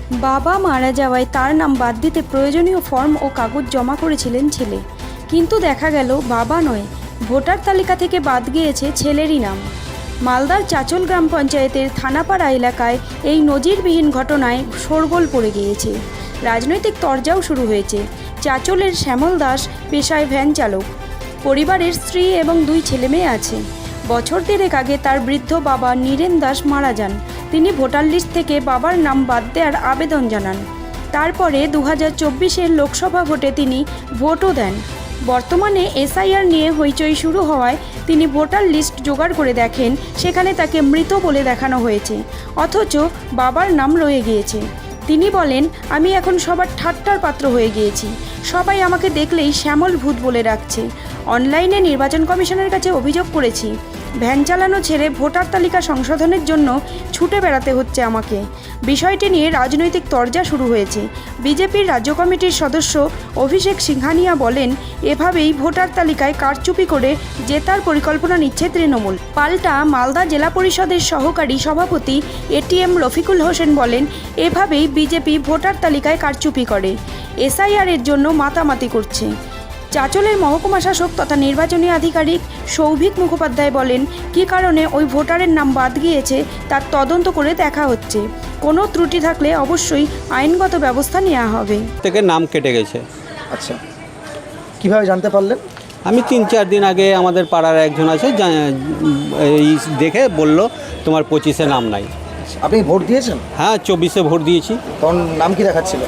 বাবা মারা যাওয়ায় তার নাম বাদ দিতে প্রয়োজনীয় ফর্ম ও কাগজ জমা করেছিলেন ছেলে, কিন্তু দেখা গেল বাবা নয়, ভোটার তালিকা থেকে বাদ গিয়েছে ছেলেরই নাম। মালদার চাচল গ্রাম পঞ্চায়েতের থানাপাড়া এলাকায় এই নজিরবিহীন ঘটনায় শোরগোল পড়ে গিয়েছে। রাজনৈতিক তরজাও শুরু হয়েছে। চাচলের শ্যামল দাস পেশায় ভ্যান চালক, পরিবারের স্ত্রী এবং 2 ছেলেমেয়ে আছে। বছর দেড়েক আগে তার বৃদ্ধ বাবা নীরেন দাস মারা যান। তিনি ভোটার লিস্ট থেকে বাবার নাম বাদ দেওয়ার আবেদন জানান। তারপরে 2024-এর লোকসভা ভোটে তিনি ভোটও দেন। বর্তমানে এসআইআর নিয়ে হইচই শুরু হওয়ায় তিনি ভোটার লিস্ট জোগাড় করে দেখেন, সেখানে তাকে মৃত বলে দেখানো হয়েছে, অথচ বাবার নাম রয়ে গিয়েছে। তিনি বলেন, আমি এখন সবার ঠাট্টার পাত্র হয়ে গিয়েছি। সবাই আমাকে দেখলেই শ্যামল ভূত বলে ডাকছে। অনলাইনে নির্বাচন কমিশনের কাছে অভিযোগ করেছি। ভ্যান চালানো ছেড়ে ভোটার তালিকা সংশোধনের জন্য ছুটে বেড়াতে হচ্ছে আমাকে। বিষয়টি নিয়ে রাজনৈতিক তরজা শুরু হয়েছে। বিজেপির রাজ্য কমিটির সদস্য অভিষেক সিংহানিয়া বলেন, এভাবেই ভোটার তালিকায় কারচুপি করে জেতার পরিকল্পনা নিচ্ছে তৃণমূল। পাল্টা মালদা জেলা পরিষদের সহকারী সভাপতি এটিএম রফিকুল হোসেন বলেন, এভাবেই বিজেপি ভোটার তালিকায় কারচুপি করে, এসআইআরের জন্য মাতামাতি করছে। চাচলের মহকুমা শাসক তথা নির্বাচনী আধিকারিক সৌভিক মুখোপাধ্যায় বলেন, কী কারণে ওই ভোটারের নাম বাদ গিয়েছে তার তদন্ত করে দেখা হচ্ছে। কোনো ত্রুটি থাকলে অবশ্যই আইনগত ব্যবস্থা নেওয়া হবে। থেকে নাম কেটে গেছে। আচ্ছা, কিভাবে জানতে পারলেন? আমি 3-4 দিন আগে আমাদের পাড়ার একজন আছে, এই দেখে বলল তোমার 25-এ নাম নাই। আপনি ভোট দিয়েছেন? হ্যাঁ, 24-এ ভোট দিয়েছি। তখন নাম কি দেখাচ্ছিল?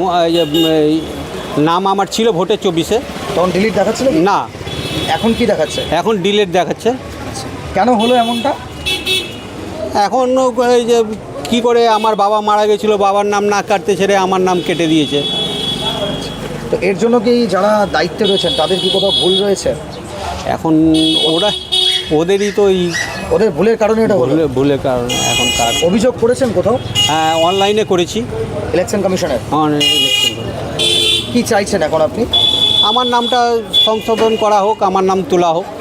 নাম আমার ছিল ভোটে 24-এ। তখন ডিলিট দেখাচ্ছিল কি? না, এখন কি দেখাচ্ছে? এখন ডিলেট দেখাচ্ছে। কেন হলো এমনটা? এখন এই যে কী করে আমার বাবা মারা গেছিলো, বাবার নাম না কাটতে ছেড়ে আমার নাম কেটে দিয়েছে। তো এর জন্য কি যারা দায়িত্বে রয়েছেন তাদের কি কোথাও ভুল রয়েছে? এখন ওদেরই তো ওদের ভুলের কারণে এটা হলো? ভুলের কারণে এখন কার অভিযোগ করেছেন কোথাও? হ্যাঁ, অনলাইনে করেছি, ইলেকশন কমিশনের। ইলেকশন করে। কি চাইছেন এখন আপনি? আমার নামটা সংশোধন করা হোক, আমার নাম তোলা হোক।